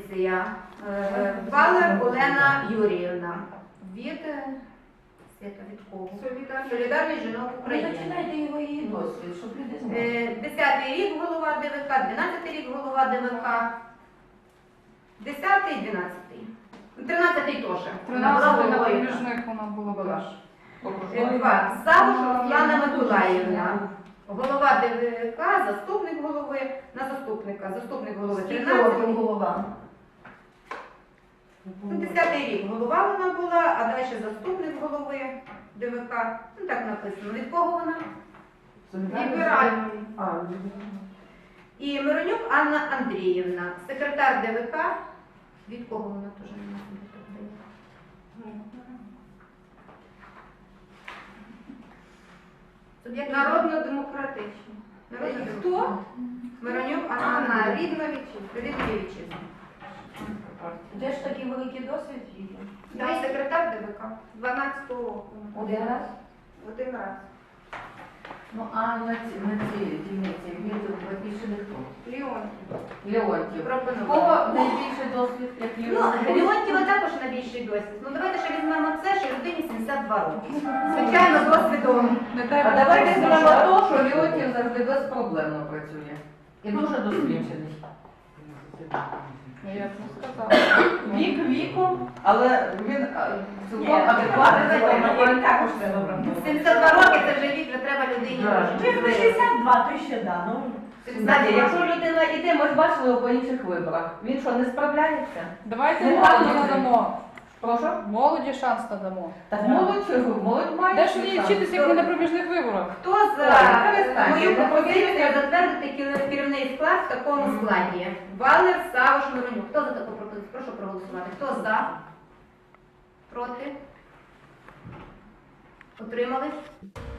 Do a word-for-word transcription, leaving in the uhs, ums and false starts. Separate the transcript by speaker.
Speaker 1: пропозиція. Е, Валер Олена Юріївна. Від е, Свята, від кого? Солідарність жінок України.
Speaker 2: Починайте його її досвід, щоб люди знали.
Speaker 1: Е, Десятий рік голова ДВК, дванадцятий рік голова ДВК. Десятий, дванадцятий. Тринадцятий теж. Вона була
Speaker 3: тринадцятий на
Speaker 1: головою.
Speaker 3: проміжних вона була
Speaker 1: Була.
Speaker 3: теж.
Speaker 1: Е, Два. Савуш Руслана Миколаївна. Голова ДВК, заступник голови, на заступника. Заступник голови
Speaker 2: Скільки
Speaker 1: тринадцять.
Speaker 2: років голова?
Speaker 1: Ну, десятий рік голова вона була, а далі заступник голови ДВК. Ну так написано. Від кого вона? Ліберальної.
Speaker 2: А,
Speaker 1: І Миронюк Анна Андріївна, секретар ДВК. Від кого вона теж не може бути?
Speaker 4: Народно-демократично.
Speaker 1: Народна хто? Миронюк Анна
Speaker 4: Анна
Speaker 1: Андріївна.
Speaker 4: рідна вітчизна.
Speaker 1: Рідна вітчизна.
Speaker 2: де ж такий великий досвід її?
Speaker 1: Я секретар ДВК.
Speaker 4: дванадцятого року.
Speaker 2: Один раз?
Speaker 4: Один раз.
Speaker 5: Ну, а на ці, на ці дільниці він більше не хто?
Speaker 4: Леон.
Speaker 5: Леонтів.
Speaker 1: Пропонувала.
Speaker 5: Кого найбільший досвід, як
Speaker 1: Ну,
Speaker 5: Леонтів?
Speaker 1: Леонтьєва також найбільший досвід. Ну, давайте ще візьмемо це, що людині сімдесят два роки. Звичайно, досвідом.
Speaker 5: А давайте візьмемо то, що Леонтів завжди безпроблемно працює. І дуже досвідчений.
Speaker 3: Я б не сказала.
Speaker 5: Вік віком, але він а, цілком
Speaker 2: Ні,
Speaker 5: адекватний.
Speaker 2: Мені також треба брати.
Speaker 1: сімдесят два роки це вже вік, вже треба людині.
Speaker 5: Да.
Speaker 2: Ви шістдесят два, то ще да. Ну,
Speaker 5: Знаєте, якщо людина йде, ми ж бачили його по інших виборах. Він що, не справляється?
Speaker 3: Давайте
Speaker 5: Не
Speaker 3: молоді
Speaker 5: правильно.
Speaker 3: надамо.
Speaker 5: Прошу?
Speaker 3: Молоді шанс надамо.
Speaker 5: Так молодь чого? Молодь має.
Speaker 3: Де ж її вчитися, як не на проміжних виборах?
Speaker 1: Хто за
Speaker 5: Ой, перестаньте.
Speaker 1: мою пропозицію затвердити керівний склад в такому складі? Валер, Савуш, Миронюк. Хто за таку пропозицію? Прошу проголосувати. Хто за? Проти? Утримались?